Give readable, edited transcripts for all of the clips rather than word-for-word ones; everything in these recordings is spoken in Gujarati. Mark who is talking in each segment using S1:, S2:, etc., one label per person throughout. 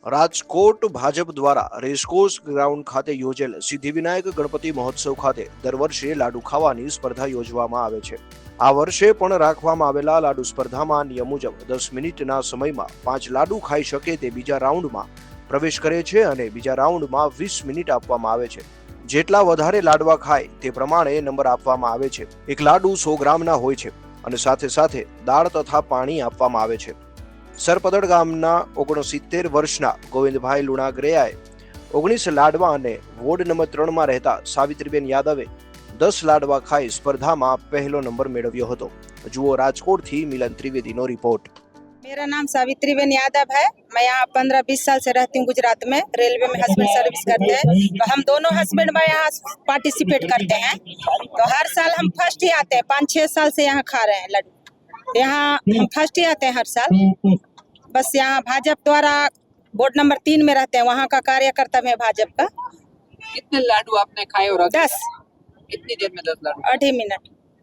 S1: રાજકોટ ભાજપ દ્વારા રેસકોર્સ ગ્રાઉન્ડ ખાતે યોજેલ સિદ્ધિવિનાયક ગણપતિ મહોત્સવ ખાતે દર વર્ષે લાડુ ખાવાની સ્પર્ધા યોજવામાં આવે છે। આ વર્ષે પણ રાખવામાં આવેલા લાડુ સ્પર્ધામાં નિયમ મુજબ 10 મિનિટના સમયમાં 5 લાડુ ખાઈ શકે તે બીજા રાઉન્ડમાં પ્રવેશ કરે છે અને બીજા રાઉન્ડમાં 20 મિનિટ આપવામાં આવે છે। જેટલા વધારે લાડવા ખાય તે પ્રમાણે નંબર આપવામાં આવે છે। એક લાડુ 100 ગ્રામના હોય છે અને સાથે સાથે દાળ તથા પાણી આપવામાં આવે છે। સરપદડ ગામના 69 વર્ષના ગોવિંદભાઈ લુણાગરેયાએ 19 લાડવા અને વોર્ડ નંબર 3 માં રહેતા સાવિત્રીબેન યાદવે 10 લાડવા ખાઈ સ્પર્ધામાં પહેલો નંબર મેળવ્યો હતો। જુઓ રાજકોટથી મિલન ત્રિવેદીનો रिपोर्ट।
S2: मेरा नाम सावित्रीबेन यादव है। मैं यहाँ 15-20 साल से रहती हूँ गुजरात में। रेलवे में हस्बैंड सर्विस करते हैं, तो हम दोनों हस्बैंड में यहाँ पार्टिसिपेट करते हैं। तो हर साल हम फर्स्ट ही आते हैं। 5-6 साल से यहाँ खा रहे हैं लड्डू। यहाँ हम फर्स्ट ही आते हैं हर साल। बस यहाँ भाजपा द्वारा बोर्ड नंबर 3 में रहते हैं, वहाँ का कार्यकर्ता में भाजपा का।
S3: कितने लाडू आपने खाए और
S2: 10
S3: कितनी देर में 10 लाडू?
S2: 2.5 मिनट,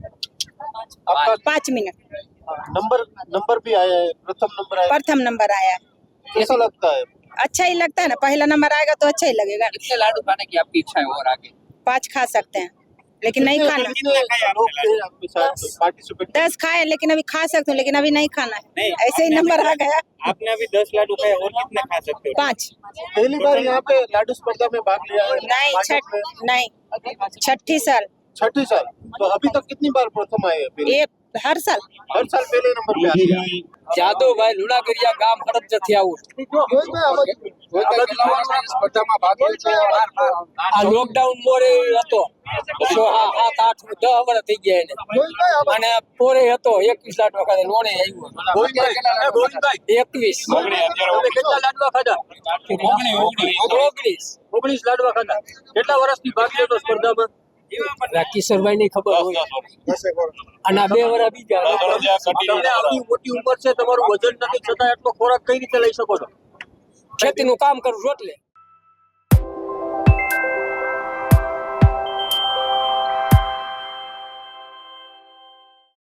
S2: 5 मिनट।
S4: नंबर भी आया है, प्रथम नंबर आया है।
S2: प्रथम नंबर आया है।
S4: कैसा लगता है?
S2: अच्छा ही लगता है ना, पहला नंबर आएगा तो अच्छा ही लगेगा।
S3: कितने लाडू खाने की आपकी इच्छा है और आगे?
S2: 5 खा सकते हैं, लेकिन नहीं खाना।
S4: कितने लोग थे आपके साथ पार्टिसिपेट?
S2: 10 खाए, लेकिन अभी खा सकते हूँ, लेकिन अभी नहीं खाना है। ऐसे ही नंबर आ गया।
S5: आपने अभी 10 लाडू खाए और कितने खा सकते हो?
S2: 5
S4: पहली बार यहाँ पे लाडू स्पर्धा में भाग लिया है?
S2: नहीं, छठी साल।
S4: छठी साल। तो अभी तक कितनी बार प्रथम आए हैं?
S2: ये हर साल
S4: हर साल पहले नंबर पे आते हैं।
S3: જાદવભાઈ લુણાગરિયા ગામ ફરજથી આવું સ્પર્ધામાં ભાગ લે છે। આ લોકડાઉન મોરે હતો 7-8 10 વર્ષ થઈ ગયા એને અને પોરે હતો 21 લાડવા ખાધા લોણે આવ્યો 21 કેટલા લાડવા ખાધા 19 લાડવા ખાધા। કેટલા વર્ષથી ભાગ લેતો સ્પર્ધામાં? કિશોરભાઈ ની ખબર હોય અને 2 વર્ષ બીજા આવડી મોટી ઉંમર છે, તમારું વજન નથી છતાં એટલો ખોરાક કઈ રીતે લઈ શકો છો? ખેતીનું કામ કરું છું એટલે